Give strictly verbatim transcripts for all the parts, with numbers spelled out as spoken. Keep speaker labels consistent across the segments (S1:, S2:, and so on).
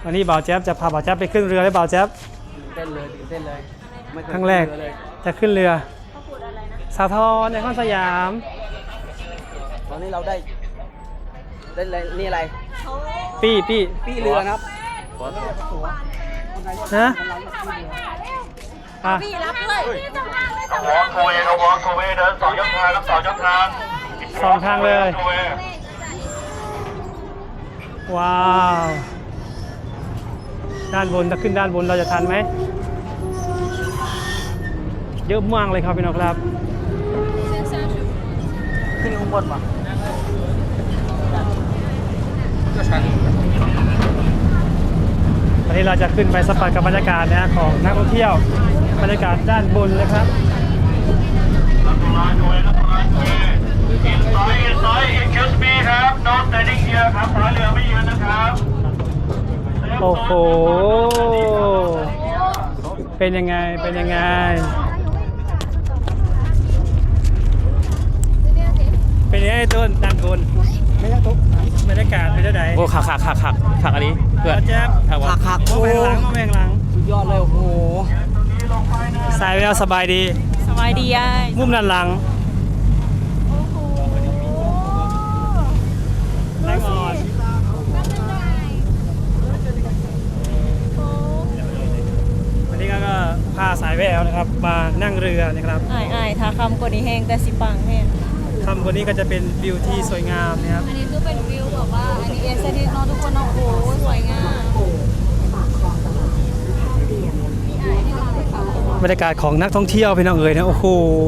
S1: วันนี้บ่าวแจ๊บจะพาบ่าวแจ๊บไปขึ้นเรือได้บ่าวแจ๊บ
S2: เต้นเลยเต้นเลย
S1: ครั้งแรกจะขึ้นเรือสาทรในข้อนสยาม
S2: ตอนนี้เราได้ได้นี่อะไร
S1: ปี้ปี้
S2: ปี้เรือครับ
S1: ฮะอ่ะ
S3: พี่รับเลย
S4: วอล์กโทเวย์วอล์กโทเวย์เดินสองยกทางสองยกทาง
S1: สองทางเลยว้าวด้านบนถ้าขึ้นด้านบนเราจะทันไหมเยอะมากเลยครับพี่น้องครับ
S2: ขึ้นข้างบนป่ะก็ชัน
S1: ตอนนี้เราจะขึ้นไปสัมผัสกับบรรยากาศนะของนักท่องเที่ยวบรรยากาศด้านบนเลยครับ
S4: ซอยซอย excuse me ครับ no standing here ครับท้ายเรือไม่ยืนนะครับ
S1: โอ้โหเป็นยังไงเป็นยังไงเป็นยังไงต้นด้านบนไม่ยากทุกบรรยากาศเป็นยังไง
S5: โอ้ขักขักขักขักขักอันนี้
S1: เพื่อนแจ๊บ
S2: ขักขัก
S1: โอ้แมงหลังโอ้แมงหลัง
S2: สุดยอดเลยโอ้โห
S1: สายแววสบายดี
S3: สบายดีอ่ะ
S1: มุมด้านหลังแรงอ่อนวันนี้ก็พาสายแววนะครับมานั่งเรือนะครับ
S3: อ้ายอ้ายถ้าคำกว่านี้แห้งแต่สิปังแห้ง
S1: คำกว่านี้ก็จะเป็นวิวที่สวยงามนะครับ
S3: อันนี้คือเป็นวิวแบบว่าอันนี้เอสเตติกเนาะทุกคนเนาะโอ้โหสวยงาม
S1: บรรยากาศของนักท่องเที่ยวพี่น้องเอ๋ยนะโอ้โห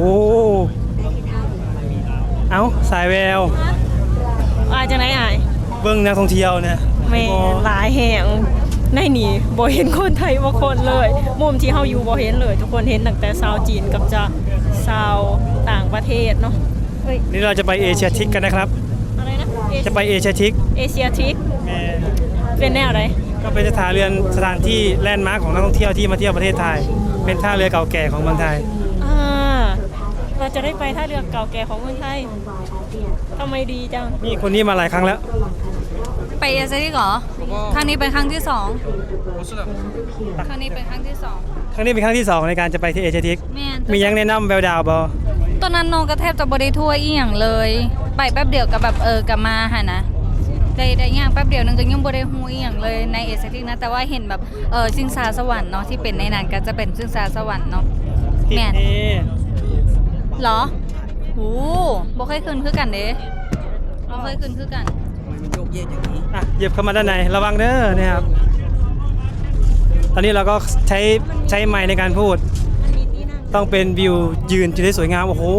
S1: เอ้าสายแวว
S3: อายจะไหนอาย
S1: เบื้องนักท่องเที่ยวนะ
S3: ไม่หลายแห่งในนี่บ่เห็นคนไทยว่าคนเลยมุมที่เฮาอยู่บ่เห็นเลยทุกคนเห็นตั้งแต่ชาวจีนกับจะชาวต่างประเทศเนาะ
S1: นี่เราจะไปเอเชียทิกกันนะครับ
S3: อะไรนะ
S1: จะไปเอเชียทิก
S3: เอเชียทิกเป็นแนวอะไร
S1: ก็เป็นสถานเรือนสถานที่แลนด์มาร์คของนักท่องเที่ยวที่มาเที่ยวประเทศไทยเป็นท่าเรือเก่าแก่ของเมืองไทย
S3: อ่าเราจะได้ไปท่าเรือเก่าแก่ของเมืองไทยทำไมดีจัง
S1: นี่คนนี้มาหลายครั้งแล้ว
S3: ไปเอเชียทิกเหรอครั้งนี้เป็นครั้งที่สองครั้งนี้เป็นครั้งที่สอง
S1: ครั้งนี้เป็นครั้งที่สองในการจะไปที่เอเชียทิกมียังแนะนำแววดาวบอ
S3: ตอนนั้นน้องก็แทบจะบริทัวร์อีหยังเลยไปแป๊บเดียวกับแบบเออกลับมาหะนะได้ได้ย่างแป๊บเดียวนึงก็ยังบริฮู้อีหยังเลยในเอเชียทิกนะแต่ว่าเห็นแบบเออชิงช้าสวรรค์เนาะที่เป็นในนั้นก็จะเป็นชิงช้าสวรรค์เนาะแม่นเหรอโอ้บ่เคยขึ้นคือกันเด้บ่เคยขึ้นคือกัน
S2: มันโยกเยกอย่างนี้
S1: อ่ะเหยียบเข้ามาด้านในระวังเด้อนะครับตอนนี้เราก็ใช้ใช้ไมค์ในการพูดต้องเป็นวิวยืนจะได้สวยงามโอ้โห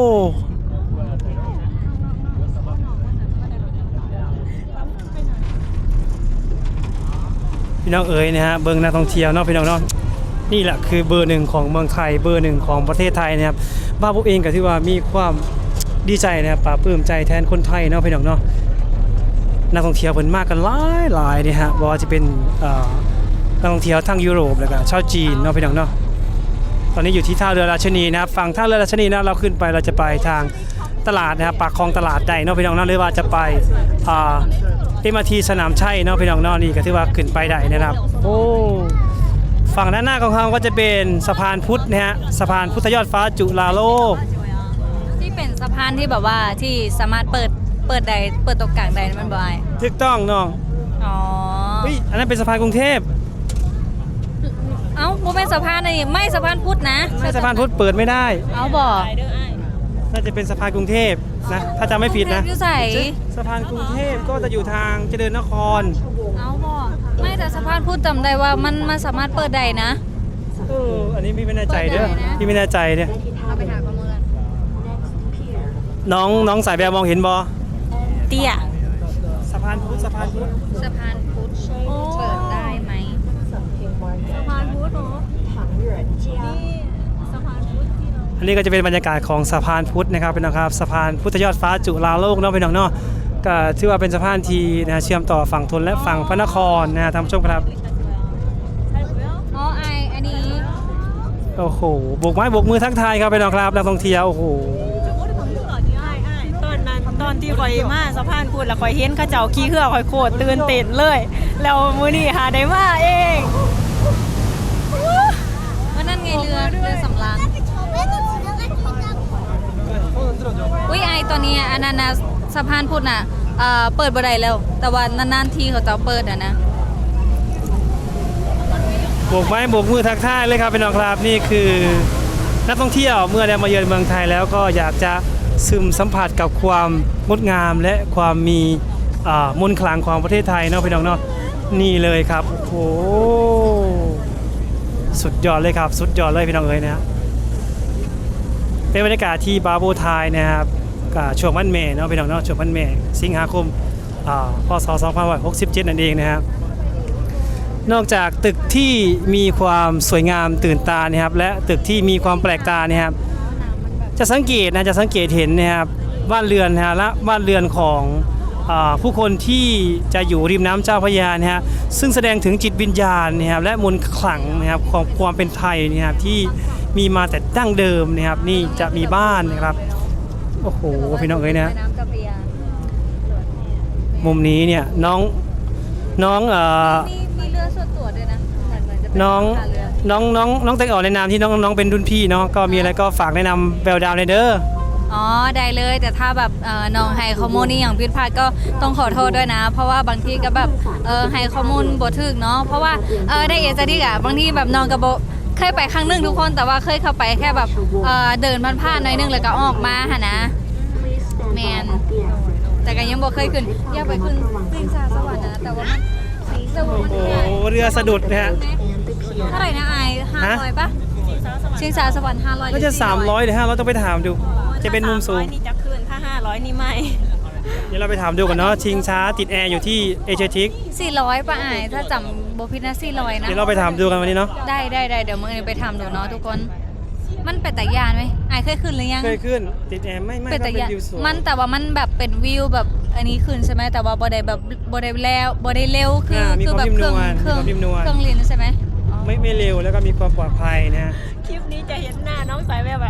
S1: พี่น้องเอ๋ยนะฮะเบอร์นักท่องเที่ยวเนาะพี่น้องเนาะนี่แหละคือเบอร์หนึ่งของเมืองไทยเบอร์หนึ่งของประเทศไทยนะครับบ้าพวกเองก็ที่ว่ามีความดีใจนะครับปลาปลื้มใจแทนคนไทยเนาะพี่น้องเนาะนักท่องเที่ยวเพิ่นมากกันหลายหลายเนี่ยฮะว่าจะเป็นนักท่องเที่ยวทั้งยุโรปแล้วก็ชาวจีนเนาะพี่น้องเนาะตอนนี้อยู่ที่ท่าเรือราชนีนะครับฝั่งท่าเรือราชนีนะเราขึ้นไปเราจะไปทางตลาดนะครับปากคลองตลาดใดเนาะพี่น้องเนาะหรือว่าจะไปอ่าเอ็มอาร์ทีสนามชัยเนาะพี่น้องเนาะนี่ก็ถือว่าขึ้นไปได้นะครับโอ้ฝั่งด้านหน้าของเขาก็จะเป็นสะพานพุทธนะฮะสะพานพุทธยอดฟ้าจุฬาโลก
S3: ที่เป็นสะพานที่แบบว่าที่สามารถเปิดเปิดใดเปิดตรงกลางใดมันบ่อย
S1: ถูกต้องน้อง
S3: อ๋อ
S1: เฮ้ยอันนั้นเป็นสะพานกรุงเทพ
S3: เอ้าบ่เป็นสะพานนี่ไม่สะพานพุทธนะ
S1: ไม่สะพานพุทธเปิดไม่ได้
S3: เอาบ่
S1: น่าจะเป็นสะพานกรุงเทพนะถ้าจำไม่ผิดนะสะพานกรุงเทพก็จะอยู่ทางเจริญนคร
S3: เอาบ่ไม่แต่สะพานพุทธจำได้ว่ามันมันสามารถเปิดได้นะ
S1: เอออันนี้พี่ไม่แน่ใจเด้อพี่ไม่แน่ใจเนี่ย
S3: เอาไปหาข้อมูล
S1: น้องน้องสายแววมองเห็นบ่
S3: เตี้ย
S1: สะพานพุทธสะพานพุทธ
S3: สะพานพุทธเปิดได้ไหมสะพานพุทธเหรอนี่สะพานพุทธที่เรา
S1: อันนี้ก็จะเป็นบรรยากาศของสะพานพุทธนะครับเป็นนะครับสะพานพุทธยอดฟ้าจุฬาโลกเนาะพี่น้องเนาะก็ถือว่าเป็นสะพานที่นะเชื่อมต่อฝั่งทนและฝั่งพระนครนะท่านผู้ชมครับ
S3: อ๋อไออันนี้
S1: โอ้โหโบกไม้โบกมือทักทายครับพี่น้องครับนักท่องเที่ยวโอ้โห
S3: ตอนนั้นตอน
S6: อนที่ข่อยมาสะพานพุทธแล้วข่อยเห็นเขาเจ้าขี่เรือข่อยโคตรตื่นเต้นเลย แล้วมื้อนี้หาได้มาเอง
S3: ว่านั่นไงเรือเรือสำราญอุ้ยไอตอนนี้อันนั้นนะสะพานพุทธน่ะเอ่อเปิดบ่ได้แล้ว แต่ว่านานๆทีเขาจะเปิดอ่ะนะ
S1: โบกไม้โบกมือทักทายเลยครับพี่น้องครับนี่คือนักท่องเที่ยวเมื่อได้มาเยือนเมืองไทยแล้วก็อยากจะซึมสัมผัสกับความงดงามและความมีอ่ามนต์ขลังของประเทศไทยเนาะพี่น้องเนาะนี่เลยครับโอ้โหสุดยอดเลยครับสุดยอดเลยพี่น้องเอ๋ยนะฮะเป็นบรรยากาศที่บาโบไทยนะครับกับช่วงวันแม่เนาะพี่น้องเนาะช่วงวันแม่สิงหาคมอ่าพศสองพันหกสิบเจ็ดนั่นเองนะครับนอกจากตึกที่มีความสวยงามตื่นตานะครับและตึกที่มีความแปลกตาเนี่ยครับจะสังเกตนะจะสังเกตเห็นนะครับบ้านเรือนนะฮะและบ้านเรือนของอาผู้คนที่จะอยู่ริมน้ำเจ้าพระยานะฮะซึ่งแสดงถึงจิตวิญญาณนะครับและมนต์ขลังนะครับของความเป็นไทยนะครับที่มีมาแต่ดั้งเดิมนะครับนี่จะมีบ้านนะครับโอ้โหพี่น้องเอ้ยนะ
S3: น้ำเจ้าพระยา
S1: มุมนี้เนี่ยน้องน้องเอ่อ
S3: มีมีเรือส่วนตัวด้วยนะเหมือนเหมือนจะเป็น
S1: น้อง
S3: ท่าเรือ
S1: น้องน้องน้องแตงอ่อนในนามที่น้องน้องเป็นรุ่นพี่เนาะก็มีอะไรก็ฝากแนะนำแววดาวในเด้อ
S3: อ๋อได้เลยแต่ถ้าแบบเอ่อน้องให้ข้อมูลนี่อย่างผิดพลาดก็ต้องขอโทษด้วยนะ เพราะว่าบางทีก็แบบเออให้ข้อมูลบ่ถูกเนาะเพราะว่าเออได้เอจะดีอะบางทีแบบน้องก็บ่เคยไปครั้งหนึงทุกคนแต่ว่าเคยเข้าไปแค่แบบเออเดินผ่านๆหน่อยนึงแล้วก็ออกมาหั่นนะแมนแต่ก็ยังบ่เคยขึ้นอยากไปขึ้นสิงสาสวรรค์นะแต่ว่ามันแต่ว่ามัน
S1: โอ้
S3: ใหญ่
S1: โหเรือสะดุดนะฮะ
S3: เท่าไหร่นะไอห้าร้อยปะชิงสาสวรรค์ห้าร้อย
S1: ก็จะสามร้อยหรือห้าร้อยต้องไปถามดูจะเป็นมุมสูง
S6: ถ้าสาร้อยนี่จะคืนถ้าห้าร้อยนี่ไม่
S1: เดี๋ยวเราไปถามดูกันเนาะชิงช้าติดแอร์อยู่ที่เอเชียทิก
S3: สี่ร้อยปะไอถ้าจำบ่ผิดนะสี่ร้อยนะ
S1: เดี๋ยวเราไปถามดูกันวันนี้เนาะ
S3: ได้ได้ได้เดี๋ยวมึงไปทำดูเนาะทุกคน มันเป็นแต่ยานไหมไอเคยขึ้นหรือยัง
S1: เคยขึ้นติดแอร์ไม่ไม่
S3: เป็น
S1: ก็
S3: แต่
S1: เป็น
S3: ยาน
S1: วิวสวย
S3: มันแต่ว่ามันแบบเป็นวิวแบบอันนี้ขึ้นใช่ไหมแต่ว่าบ่ได้แบบบ่ได้แล้วบ่ได้เร็วคือ
S1: อ่ามี
S3: คือ
S1: ความ
S3: แบบ
S1: นิ่ม
S3: เคน รื่อง
S1: วล
S3: เครื่อง
S1: มีความนิ่มนวล
S3: เครื่องเรียนใช่ไหมอ๋อ
S1: ไม่ไม่เร็วแล้วก็มีความปลอดภัยนะฮะ
S6: คลิปนี้จะเห็นหน้าน้องสายแบบแบบ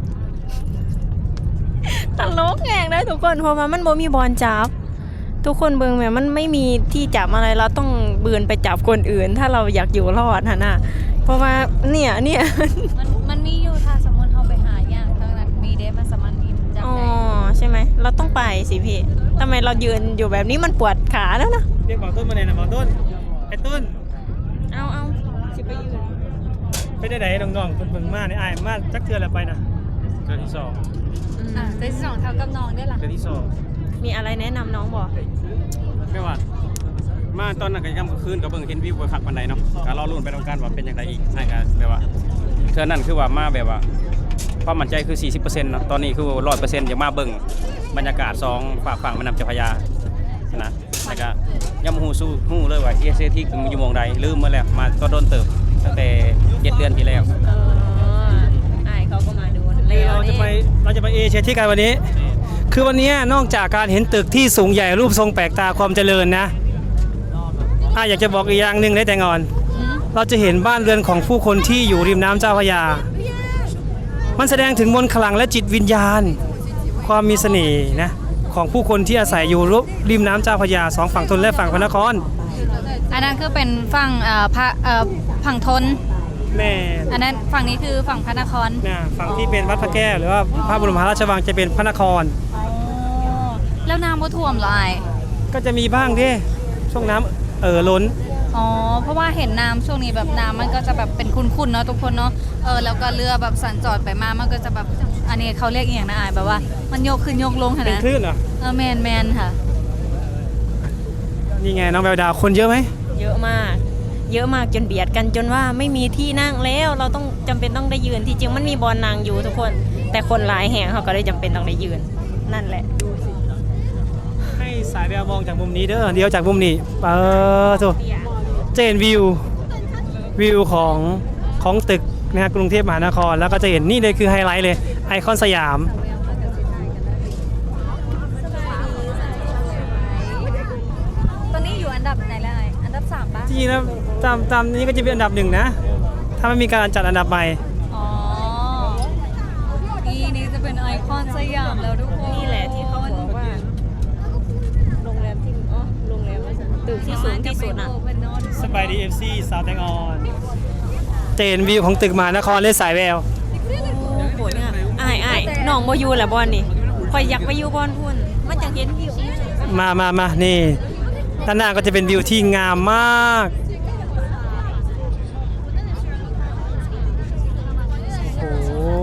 S6: ตลกแงงนะทุกคนเพราะว่ามันบ่มีบอลจับ ทุกคนเบิ่งแม่มันไม่มีที่จับอะไรเราต้องเบือนไปจับคนอื่น ถ้าเราอยากอยู่รอดฮะนะเพราะว่าเนี่ยเนี่ย
S3: มันมันมีอยู่ถ้าสมมติเขาไปหาอย่างทั้งนั้นมีเด้มันสามารถมีจับ
S6: อ๋อ
S3: ได้
S6: ใช่ไหมเราต้องไปสิพี่ทำไมเรายืนอยู่แบบนี้มันปวดขาแล้วนะ
S1: เรียกหมอต้นมาเลยนะหมอต้นไอ้ต้น
S6: เอาเอาสิไปยืน
S1: ไปได้ไหนน้องๆคนเบิ่งมากในอายมากจักเทือแล้วไปนะเทือที่สอง
S3: อ่ะเดือนที่สองเท่ากับน้องได้ล่ะ
S1: เทือที่สอง
S6: มีอะไรแนะนำน้องบอก
S5: ไม่ว่ามาตอนนั้นก็ย่ำกลางคืนก็เบิ่งเห็นวิวคักปานใดเนาะก็รอลุ้นไปตรงกันว่าเป็นอย่างไรอีกนั่นก็แบบว่าเทื่อนั้นคือว่ามาแบบว่าความมั่นใจคือ สี่สิบเปอร์เซ็นต์ เนาะตอนนี้คือ หนึ่งร้อยเปอร์เซ็นต์ จะมาเบิ่งบรรยากาศสองฝั่งฝั่งแม่น้ำเจ้าพระยานะแล้วก็ย่ำฮู้สู้ฮู้เลยว่า เอ เอส ที คืออยู่หม่องใดลืมมาแล้วมาก็โดนเติบตั้งแต่เจ็ดเดือนที่แล้ว
S6: เอออายเขาก็มาดูแล้
S1: เรา
S6: ว
S1: จะไปเราจะไปเอเชียทิกกันวันนี้ คือวันนี้นอกจากการเห็นตึกที่สูงใหญ่รูปทรงแปลกตาความเจริญนะอ่ะอยากจะบอกอีกอย่างหนึ่งได้แต่งอน
S3: อืม
S1: เราจะเห็นบ้านเรือนของผู้คนที่อยู่ริมน้ำเจ้าพระยา มันแสดงถึงมนต์ขลังและจิตวิญญาณ ความมีเสน่ห์นะของผู้คนที่อาศัยอยู่ริมน้ำเจ้าพระยาสองฝั่งทนและฝั่งพระนคร
S3: อันนั้นคือเป็นฝั่งเอ่อพระเอ่อฝั่งทน
S1: แม่
S3: อันนั้นฝั่งนี้คือฝั่งพระนคร
S1: นะฝั่งที่เป็นวัดพระแก้วหรือว่าพระบรมมหาราชวังจะเป็นพระนคร
S3: อ๋อแล้วน้ำบ่ท่วมเหรอไอ
S1: ก็จะมีบ้างที่ช่วงน้ำเอ่อล้น
S3: อ๋อเพราะว่าเห็นน้ำช่วงนี้แบบน้ำมันก็จะแบบเป็นขุ่นๆเนาะทุกคนเนาะเออแล้วก็เรือแบบสัญจรไปมามันก็จะแบบอันนี้เขาเรียกอหย่างนะอายแบบว่า มันโยกขึ้นโยกลงค่ะ
S1: เป็น
S3: นะ
S1: คลื่นเหรอ
S3: เออแมนแมนค่ะ
S1: นี่ไงน้องแววดาวคนเยอะไหม
S6: เยอะมาก เยอะมากจนเบียดกันจนว่าไม่มีที่นั่งแล้วเราต้องจำเป็นต้องได้ยืนที่จริงมันมีบอลนางอยู่ทุกคน แต่คนหลายแห่งเขาก็เลยจำเป็นต้องได้ยืนนั่นแหละ
S1: ให้สายแววมองจากมุมนี้เด้อเดี๋ยวจากมุมนี้เออโถจะเห็นวิววิวของของตึกนะฮะกรุงเทพมหานครแล้วก็จะเห็นนี่เลยคือไฮไลท์เลยไอคอนสยาม
S3: ตอนนี้อยู่อันดับไหนแล้วไออันดับสามป่ะ
S1: จริงๆแล้วตามตามนี้ก็จะเป็นอันดับหนึ่งนะ ถ้าไม่มีการจัดอันดับใหม่
S3: อ๋อนี่นี่จะเป็นไอคอนสยามแล้วทุกคน
S6: นี่แหละที่เขาบอกว่าตึกที่สูงที่สุดอ่ะ
S1: สบายดี เอฟ ซี สาวแตงออนเจนวิวของตึกมหานครเล่นสายแวว
S6: โอ้โหเนี่ยอ้ายอ้ายน้องบ่อยู่แหละบอลนี่ข่อยอยากไปอยู่บอลพุ่นมันจังเห็นวิว
S1: มามามานี่ด้านหน้าก็จะเป็นวิวที่งามมากโอ้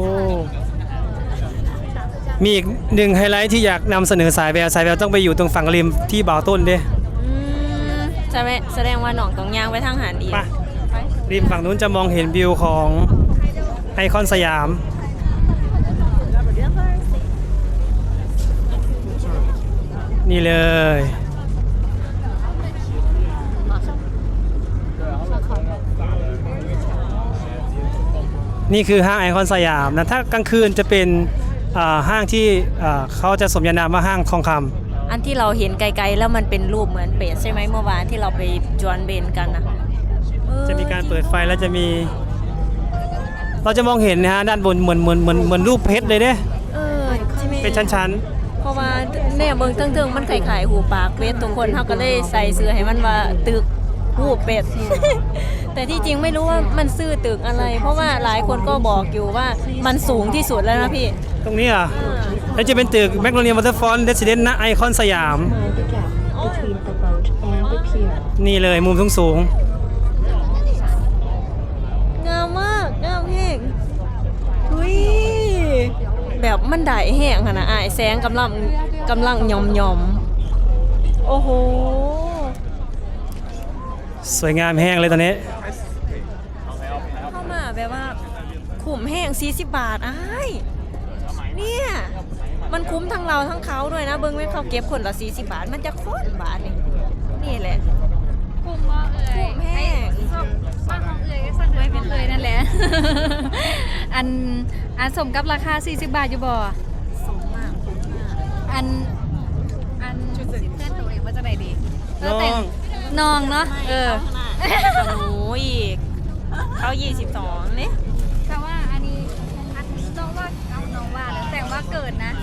S1: มีอีกหนึ่งไฮไลท์ที่อยากนำเสนอสายแววสายแววต้องไปอยู่ตรงฝั่งริมที่บ่าวต้นเด้
S6: อืมแสดงแสดงว่าน้องต้องย่างไปทางหาดอีก
S1: ไปริมฝั่งนู้นจะมองเห็นวิวของไอคอนสยาม นี่เลย นี่คือห้างไอคอนสยามนะถ้ากลางคืนจะเป็นอ่าห้างที่อ่าเขาจะสมญานามว่าห้างทองคำ
S6: อันที่เราเห็นไกลๆแล้วมันเป็นรูปเหมือนเป็ดใช่ไหมเมื่อวานที่เราไปจวนเบนกันนะเออ
S1: จะมีการเปิดไฟแล้วจะมี เราจะมองเห็นนะฮะด้านบนเหมือนเหมือนเหมือนเหมือนรูปเพชรเลยเด้
S6: เออใช่ไหม
S1: เป็นชั้น
S6: เพราะว่าเนี่ยเมืองเทิงๆมันไข่ๆหูปากเป็ดทุกคนเขาก็เลยใส่เสื้อให้มันว่าตึกหูเป็ด แต่ที่จริงไม่รู้ว่ามันซื่อตึกอะไร เพราะว่าหลายคนก็บอกอยู่ว่ามันสูงที่สุดแล้วนะพี่
S1: ๆ ตรงนี้อ่ะ
S6: อ่า
S1: แล้วจะเป็นตึกแมกโนเลียวอเตอร์ฟอนเรสซิเดนต์ณไอคอนสยาม
S7: Mind the gap between the boat and the pier.
S1: นี่เลยมุมสูงสูง
S6: งามมากงามแห้งอุ้ยแบบมันได้แห้งขนาดอายแสงกำลังกำลังยอมยอมๆโอ้โห
S1: ๆสวยงามแห้งเลยตอนนี้
S6: เข้ามาแบบว่าคุ้มแห้งสี่สิบบาทอ้ายเนี่ยมันคุ้มทั้งเราทั้งเขาด้วยนะเบิ้งไว้เขาเก็บคนละสี่สิบบาทมันจะโคตรบาทนี่นี่แหละ
S3: คุ้มบ่เอ่ย
S6: คุ้มแห้ง
S3: ไอ้ซ่อมซ่อมของเอ่ยก็สั่งไว้เป็นเอ่ยนั่นแหละ อันอันสมกับราคาสี่สิบบาทอยู่บ่
S6: สมมากคุ้มมาก
S3: อันอันเพื่อนตัวเองว่าจะไหนดี
S1: น้อง
S3: แต่น้องเนาะเออ
S6: หนูอีกเขายี่สิบสองนี่
S3: แต่ว่าอันนี้อันน้องว่าเอาน้องว่าแล้วแต่ว่าเกิดนะ